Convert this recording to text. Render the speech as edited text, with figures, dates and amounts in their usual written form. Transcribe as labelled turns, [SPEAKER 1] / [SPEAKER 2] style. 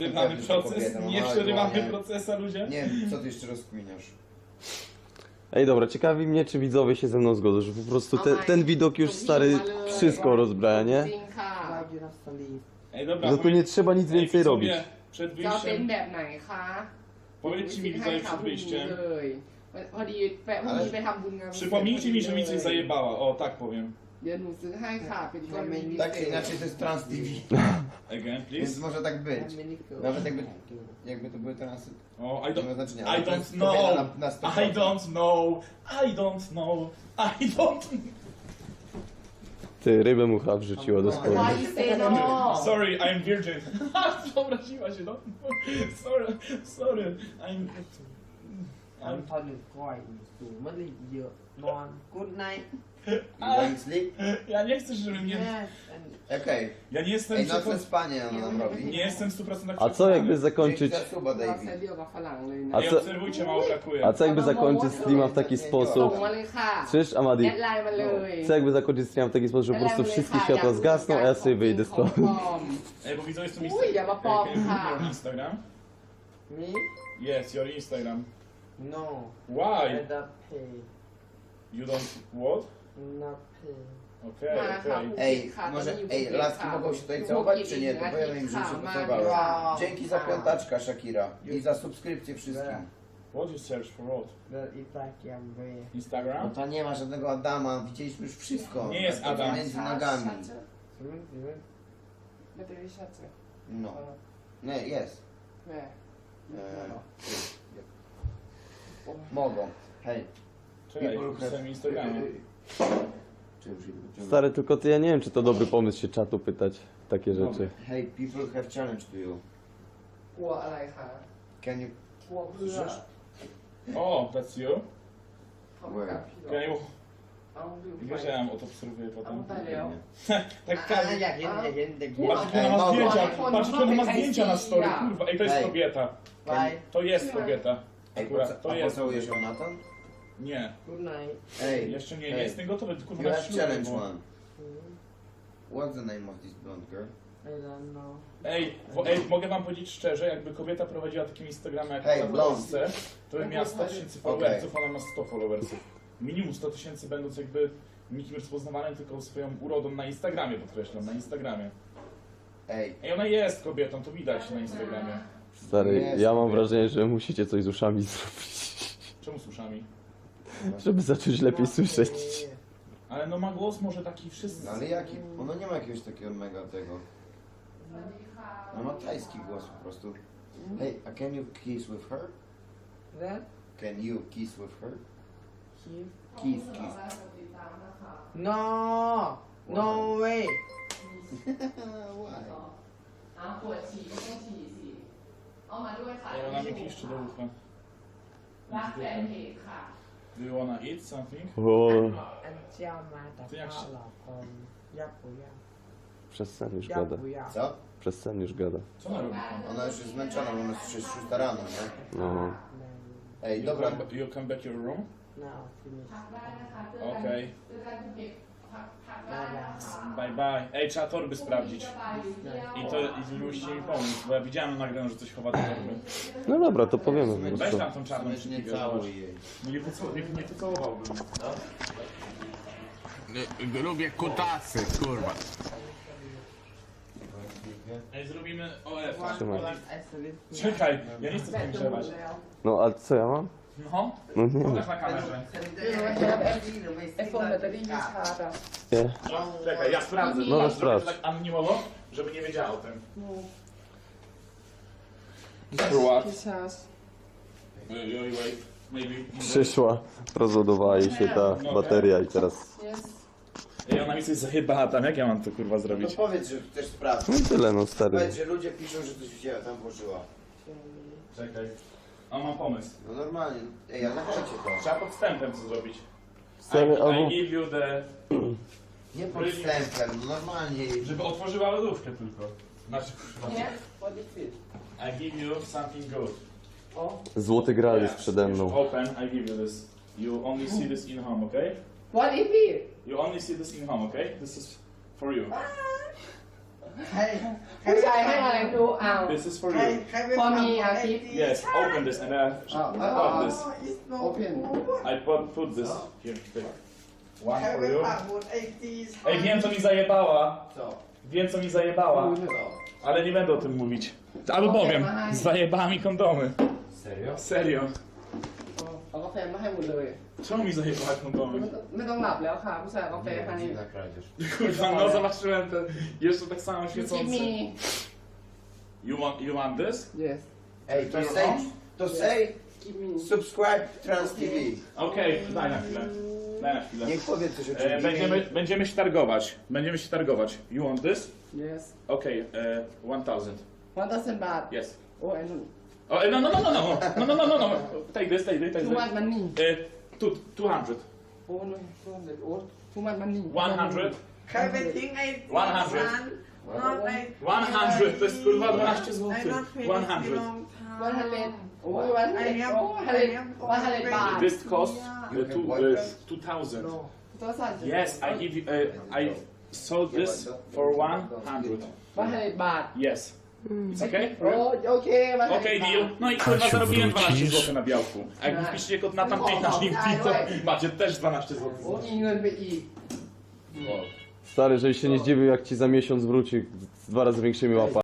[SPEAKER 1] Przerywamy proces, nie przerywamy procesa, ludzie.
[SPEAKER 2] Nie wiem, co ty jeszcze rozkminiasz?
[SPEAKER 3] Ej, dobra, ciekawi mnie, czy widzowie się ze mną zgodzą, że po prostu ten widok już stary wszystko rozbraja, nie?
[SPEAKER 4] จริงค่ะ
[SPEAKER 5] Why you not sleep?
[SPEAKER 1] Ej, dobra,
[SPEAKER 3] Że tu nie trzeba nic więcej
[SPEAKER 1] widzowie,
[SPEAKER 3] robić.
[SPEAKER 1] Przed
[SPEAKER 4] จะเอาเต็นท์
[SPEAKER 1] wyjściem,
[SPEAKER 4] แบบไหนคะ
[SPEAKER 1] powiedzcie mi widzowie przed
[SPEAKER 4] พรุ่งนี้
[SPEAKER 1] wyjściem.
[SPEAKER 4] เลยพอดีแฟนพรุ่งนี้ไปทำบุญงาน
[SPEAKER 1] Przypomnijcie mi, że mi coś zajebała, o tak powiem.
[SPEAKER 4] เดี๋ยวหนูซื้อให้ค่ะเป็นกรณีพิ
[SPEAKER 2] Tak
[SPEAKER 4] เศ
[SPEAKER 2] czy
[SPEAKER 4] ษ
[SPEAKER 2] inaczej to jest Trans TV.
[SPEAKER 1] Again,
[SPEAKER 2] Więc
[SPEAKER 1] please.
[SPEAKER 2] może tak być.
[SPEAKER 5] How many girls?
[SPEAKER 2] Nawet jakby to były transy.
[SPEAKER 1] O, I
[SPEAKER 2] Nie ma
[SPEAKER 1] don't,
[SPEAKER 2] znaczenia.
[SPEAKER 1] I
[SPEAKER 2] ale to
[SPEAKER 1] don't
[SPEAKER 2] jest kobieta
[SPEAKER 1] know,
[SPEAKER 2] na 100%.
[SPEAKER 1] I don't know, I don't know, I don't
[SPEAKER 3] Ty, rybę mucha wrzuciła do
[SPEAKER 4] Why
[SPEAKER 3] spodni.
[SPEAKER 4] you say no
[SPEAKER 1] Sorry, I'm virgin. Obraziła się, no. Sorry, I'm...
[SPEAKER 5] อันทอนหนึ่งก้อยสูงมันเลยเยอะนอน good night
[SPEAKER 2] You going sleep?
[SPEAKER 1] Ja nie chcę, żeby mnie...
[SPEAKER 5] yes and
[SPEAKER 2] Okej.
[SPEAKER 1] Ja nie jestem...
[SPEAKER 2] Ej, nocne spanie ona nam
[SPEAKER 1] Nie
[SPEAKER 2] robi.
[SPEAKER 1] jestem 100%
[SPEAKER 3] A co jakby
[SPEAKER 2] Dzięki
[SPEAKER 3] zakończyć...
[SPEAKER 2] za suba,
[SPEAKER 4] เรา
[SPEAKER 2] Davey.
[SPEAKER 4] เซตเดียวกับฝรั่งเลย
[SPEAKER 3] A
[SPEAKER 4] นะ
[SPEAKER 1] Ej,
[SPEAKER 3] co-
[SPEAKER 1] obserwujcie, mało brakuje.
[SPEAKER 3] A co jakby zakończyć streama w taki
[SPEAKER 4] ส่
[SPEAKER 3] sposób...
[SPEAKER 4] งมาเลยค่ะ
[SPEAKER 3] Słyszysz, Amadi?
[SPEAKER 4] แอดไลน์มาเลย
[SPEAKER 3] Co jakby zakończyć stream w taki sposób, że po prostu wszystkie światła zgasną, a ja sobie wyjdę stąd.
[SPEAKER 1] Ej, bo widzę, jest tu
[SPEAKER 4] Uj, ja ma pop, ha.
[SPEAKER 1] Instagram?
[SPEAKER 5] me
[SPEAKER 1] Yes, your Instagram.
[SPEAKER 5] no
[SPEAKER 1] Why?
[SPEAKER 5] I don't pay
[SPEAKER 1] You don't... What?
[SPEAKER 5] not pay
[SPEAKER 1] Okej, okej.
[SPEAKER 2] Ej, może, laski mogą się tutaj całować, czy nie? To powiem im, że mi się podobało. Dzięki za piątaczka, Shakira. I za subskrypcję wszystkim.
[SPEAKER 1] What you search for what?
[SPEAKER 5] but it's like I'm way
[SPEAKER 2] No
[SPEAKER 1] Instagram?
[SPEAKER 2] to nie ma żadnego Adama, widzieliśmy już wszystko.
[SPEAKER 1] Nie jest
[SPEAKER 2] To
[SPEAKER 1] Adam.
[SPEAKER 2] między nogami.
[SPEAKER 4] ไม่ได้ชัดเจน
[SPEAKER 2] No. Nie, jest.
[SPEAKER 4] แม่
[SPEAKER 2] Mogą. Hej.
[SPEAKER 1] Czekaj, pisałem Instagrama.
[SPEAKER 2] Czy już idę?
[SPEAKER 3] Stary, tylko ty, ja nie wiem, czy to dobry pomysł się czatu pytać takie rzeczy.
[SPEAKER 2] Hey, people have challenge to you.
[SPEAKER 4] กลัวอะไรคะ
[SPEAKER 2] Can you...
[SPEAKER 4] กลัวเพื่อ
[SPEAKER 1] O, that's you?
[SPEAKER 4] เขาไม่กลับพี่หรอก
[SPEAKER 1] Can you...
[SPEAKER 4] เอาลืมไป
[SPEAKER 1] Wiesz, ja ją odobserwuję
[SPEAKER 4] เอา
[SPEAKER 1] potem.
[SPEAKER 4] ไปแล้ว
[SPEAKER 1] Tak
[SPEAKER 5] อ่ะ
[SPEAKER 1] każdy...
[SPEAKER 5] อยากเห็นอยากเห็นเด็ก
[SPEAKER 1] Patrz, jakie ona ma
[SPEAKER 2] Ej,
[SPEAKER 1] zdjęcia,
[SPEAKER 4] mogą.
[SPEAKER 1] patrz, jakie ona ma zdjęcia na story, kurwa. Ej, to jest
[SPEAKER 2] Ej.
[SPEAKER 1] kobieta.
[SPEAKER 5] ไป
[SPEAKER 1] To jest kobieta.
[SPEAKER 2] Ej,
[SPEAKER 1] Akurat, to
[SPEAKER 2] a
[SPEAKER 1] jest.
[SPEAKER 2] pocałujesz ją na to?
[SPEAKER 1] Nie,
[SPEAKER 5] good night
[SPEAKER 2] Ej,
[SPEAKER 1] jeszcze nie, nie
[SPEAKER 2] Ej.
[SPEAKER 1] jestem gotowy, kurwa
[SPEAKER 2] You
[SPEAKER 1] na
[SPEAKER 2] have
[SPEAKER 1] ślubie,
[SPEAKER 2] challenge
[SPEAKER 1] bo-
[SPEAKER 2] one. What's the name of this blonde girl?
[SPEAKER 5] I don't know
[SPEAKER 1] Ej, mogę wam powiedzieć szczerze, jakby kobieta prowadziła takim Instagrama jak
[SPEAKER 2] Hej,
[SPEAKER 1] ta w
[SPEAKER 2] blond.
[SPEAKER 1] Polsce, to bym miała 100 000 followersów, ona ma 100 followersów. Minimum 100 000 będąc jakby nikim rozpoznawanym, tylko swoją urodą na Instagramie, podkreślam, na Instagramie.
[SPEAKER 2] Ej,
[SPEAKER 1] Ej, ona jest kobietą, to widać na Instagramie.
[SPEAKER 3] Stary, ja mam wrażenie, że musicie coś z uszami zrobić,
[SPEAKER 1] Czemu z uszami?
[SPEAKER 3] żeby zacząć lepiej słyszeć.
[SPEAKER 1] Ale no ma głos może taki wszyscy...
[SPEAKER 2] no ale jaki? Ona nie ma jakiegoś takiego mega tego. Ona ma tajski głos po prostu. Hey, a can you kiss with her?
[SPEAKER 5] that
[SPEAKER 2] Can you kiss with her?
[SPEAKER 5] kiss
[SPEAKER 2] Kiss, kiss.
[SPEAKER 5] no no way
[SPEAKER 2] Why?
[SPEAKER 4] เอาปวดฉี่ไม่ต้องฉี่สิเอามาด้วยค่ะ
[SPEAKER 1] Ej, ona mi piszczy do ucha.
[SPEAKER 4] รักแฟนเพจค่ะ
[SPEAKER 1] Do you wanna eat something?
[SPEAKER 3] O,
[SPEAKER 5] อันเจ้ามาแต่ข้าวหลอกคนยักษ์ปุยยักษ์
[SPEAKER 3] przez sen już
[SPEAKER 5] ยักษ์
[SPEAKER 3] gada.
[SPEAKER 5] ปุยยักษ์
[SPEAKER 2] Co?
[SPEAKER 3] Przez sen już gada.
[SPEAKER 1] Co ona robi tam?
[SPEAKER 2] Ona już jest zmęczona, bo ona jest 6 rano, nie?
[SPEAKER 3] No.
[SPEAKER 2] Ej, dobra.
[SPEAKER 1] You come back your room?
[SPEAKER 5] now finish
[SPEAKER 4] พักได้นะคะเจอกัน
[SPEAKER 1] Okej.
[SPEAKER 4] เจอกันเก็บพักได้นะคะ
[SPEAKER 1] Bye bye. Ej, trzeba torby sprawdzić.
[SPEAKER 4] ไปเที่ยว
[SPEAKER 1] I musicie mi pomóc, bo ja widziałem na nagraniu, że coś chowa do torby.
[SPEAKER 3] No dobra, to powiemy po
[SPEAKER 1] Weź
[SPEAKER 3] prostu.
[SPEAKER 1] tam tą czarną
[SPEAKER 2] Zobacz, nie
[SPEAKER 1] szpilkę,
[SPEAKER 2] całuj
[SPEAKER 1] zobacz.
[SPEAKER 2] jej.
[SPEAKER 1] No nie pocałowałbym.
[SPEAKER 6] Lubię kutasy, kurwa.
[SPEAKER 1] Ej, zrobimy OF.
[SPEAKER 3] Trzymaj.
[SPEAKER 1] Czekaj, ja nie chcę skończywać.
[SPEAKER 3] No, ale co ja mam?
[SPEAKER 1] No,
[SPEAKER 3] No nie,
[SPEAKER 1] pokaż na kamerze.
[SPEAKER 4] ไอโฟนแบตเตอรี่มีชาร์จอ่ะ
[SPEAKER 3] nie.
[SPEAKER 1] No, czekaj, ja sprawdzę.
[SPEAKER 3] No,
[SPEAKER 1] Zrobię
[SPEAKER 3] sprawdź.
[SPEAKER 1] tak anonimowo, żeby nie wiedziała o tym. For what?
[SPEAKER 4] มีชาร์จ
[SPEAKER 1] Wait, maybe.
[SPEAKER 3] Przyszła, rozładowała jej się ta bateria i teraz...
[SPEAKER 4] yes
[SPEAKER 1] Ej, ona mi coś zajebała tam, jak ja mam to kurwa
[SPEAKER 2] No
[SPEAKER 1] zrobić?
[SPEAKER 2] to powiedz, że chcesz
[SPEAKER 3] No
[SPEAKER 2] sprawdzić.
[SPEAKER 3] i tyle, no stary.
[SPEAKER 2] Powiedz, że ludzie piszą, że coś wzięła, tam włożyła.
[SPEAKER 1] Czekaj. A mam pomysł.
[SPEAKER 2] No normalnie. Ej, ale napiszcie to.
[SPEAKER 1] Trzeba podstępem co zrobić.
[SPEAKER 3] Stary,
[SPEAKER 1] I
[SPEAKER 3] albo...
[SPEAKER 1] give you the...
[SPEAKER 2] Nie podstępem, no normalnie.
[SPEAKER 1] Żeby otworzyła lodówkę tylko. Znaczy, kurwa.
[SPEAKER 4] nie what is it
[SPEAKER 1] I give you something good.
[SPEAKER 3] Złoty gral jest
[SPEAKER 1] Yes,
[SPEAKER 3] przede
[SPEAKER 1] you
[SPEAKER 3] mną.
[SPEAKER 1] should open, I give you this. You only see this in home, okay?
[SPEAKER 4] what is it
[SPEAKER 1] You only see this in home, okay? This is for you.
[SPEAKER 5] ใคร
[SPEAKER 4] ผู้ชายให้อะไรดูอ้าว
[SPEAKER 1] This is for
[SPEAKER 5] ใคร
[SPEAKER 1] you.
[SPEAKER 5] ใครไป
[SPEAKER 4] พอ
[SPEAKER 5] ฟัง
[SPEAKER 4] มีอาทิตย์
[SPEAKER 1] Yes, open this and open this.
[SPEAKER 5] Open
[SPEAKER 1] I put this here. Take. One
[SPEAKER 5] ใคร
[SPEAKER 1] for
[SPEAKER 5] ไป
[SPEAKER 1] you.
[SPEAKER 5] ปักหมุดไอจี
[SPEAKER 1] Ej, wiem co mi zajebała.
[SPEAKER 5] จบ
[SPEAKER 1] Wiem co mi zajebała. Ale nie będę o tym mówić. Albo powiem. Zajebała mi kondomy.
[SPEAKER 2] Serio?
[SPEAKER 1] Serio.
[SPEAKER 4] เอากาแฟมาให้หมดเลย
[SPEAKER 1] Czemu mi zajebała kondomy?
[SPEAKER 4] ไม่ต้องหลับแล้วค่ะผู้ชายเอากาแฟให้
[SPEAKER 2] za kradzież.
[SPEAKER 1] Kurwa, no zobaczyłem ten jeszcze tak samo
[SPEAKER 4] Give
[SPEAKER 1] świecący.
[SPEAKER 4] me
[SPEAKER 1] You want this?
[SPEAKER 4] yes
[SPEAKER 2] Ej, to say
[SPEAKER 4] give me
[SPEAKER 2] subscribe Trans TV.
[SPEAKER 1] Okej, daj na chwilę. Daj na chwilę.
[SPEAKER 2] Niech powie coś o czym
[SPEAKER 1] Będziemy się targować. Będziemy się targować. You want this?
[SPEAKER 4] yes
[SPEAKER 1] Okay, 1000.
[SPEAKER 4] 1,000 บาท
[SPEAKER 1] Yes.
[SPEAKER 4] โอ้ยนุ่น
[SPEAKER 1] Oh, no. Take this.
[SPEAKER 4] too much money
[SPEAKER 1] 200.
[SPEAKER 4] โอ้นุ่นโอ้ too much money
[SPEAKER 1] 100.
[SPEAKER 5] ใครไปทิ้งไอจี
[SPEAKER 1] 100. 100. To jest kurwa 12 zł. 100.
[SPEAKER 4] 100โอ้ย100โอ้100บาท
[SPEAKER 1] This cost
[SPEAKER 2] You can watch that?
[SPEAKER 1] 2000.
[SPEAKER 4] ตัวสั่น
[SPEAKER 1] Yes, I give you. I sold this for 100.
[SPEAKER 4] 100บาท
[SPEAKER 1] Yes. It's okay?
[SPEAKER 4] โอเคมา
[SPEAKER 1] Okej, deal. No i kurwa zarobiłem 12 zł na białku. A jak wpiszecie kod na tamtej nasz to macie też 12 zł.
[SPEAKER 4] โอ้มีเงินไปอีก
[SPEAKER 3] Stary, żebyś się nie zdziwił, jak ci za miesiąc wróci z 2 razy większymi łapami.